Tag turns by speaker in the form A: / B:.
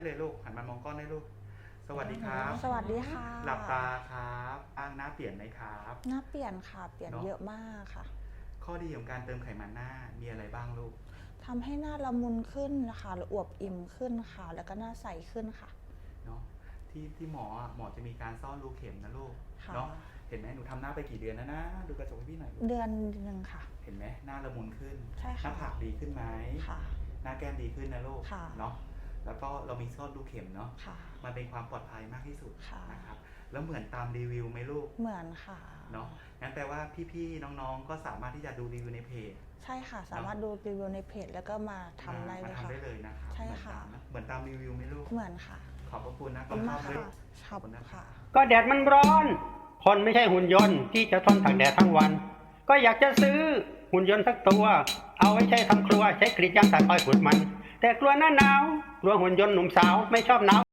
A: เลยลูกหันมามองกล้องได้ลูกสวัสดีครับ
B: สวัสดีค่ะ
A: หลับตาครับหน้าเปลี่ยนไหมครับ
B: หน้าเปลี่ยนค่ะเปลี่ยนเยอะมากค่ะ
A: ข้อดีของการเติมไขมันหน้ามีอะไรบ้างลูก
B: ทำให้หน้าละมุนขึ้นนะคะหรืออวบอิ่มขึ้นค่ะแล้วก็หน้าใสขึ้นค่ะ
A: เนาะที่หมอจะมีการซ่อนรูเข็มนะลูกเนาะเห็นไหมหนูทำหน้าไปกี่เดือนแล้วนะดูกระจกให้พี่หน่อย
B: เดือนหนึ่งค่ะ
A: เห็นไหมหน้าละมุนขึ้น
B: ใช่ค่ะ
A: หน้าผากดีขึ้นไหม
B: ค่ะ
A: หน้าแก้มดีขึ้นนะลูก
B: ค่ะ
A: เนาะแล้วก็เรามีซ่อนรูเข็มเนาะ
B: ค่ะ
A: มันเป็นความปลอดภัยมากที่สุด
B: ค่ะ
A: นะครับแล้วเหมือนตามรีวิวไหมลูก
B: เหมือนค่ะ
A: เนาะงั้นแปลว่าพี่ๆน้องๆก็สามารถที่จะดูรีวิวในเพจ
B: ใช่ค่ะสามารถดูรีวิวในเพจแล้วก็มาทำได้เลยค่ะ
A: ทำได้เลยนะครับ
B: ใช่ค่ะ
A: เหมือนตามรีวิวไหมลูก
B: เหมือนค่ะ
A: ขอบพระคุณนะ
B: ขอบคุณมากค่ะ
A: ขอบคุณนะ
B: ค่ะ
C: ก็แดดมันร้อนคนไม่ใช่หุ่นยนต์ที่จะทนตากแดดทั้งวัน ก็อยากจะซื้อหุ่นยนต์สักตัวเอาไว้ใช้ทำครัวใช้กรีดยางตัดอ้อยขุดมันแต่กลัวหน้าหนาวกลัวหุ่นยนต์หนุ่มสาวไม่ชอบหนาว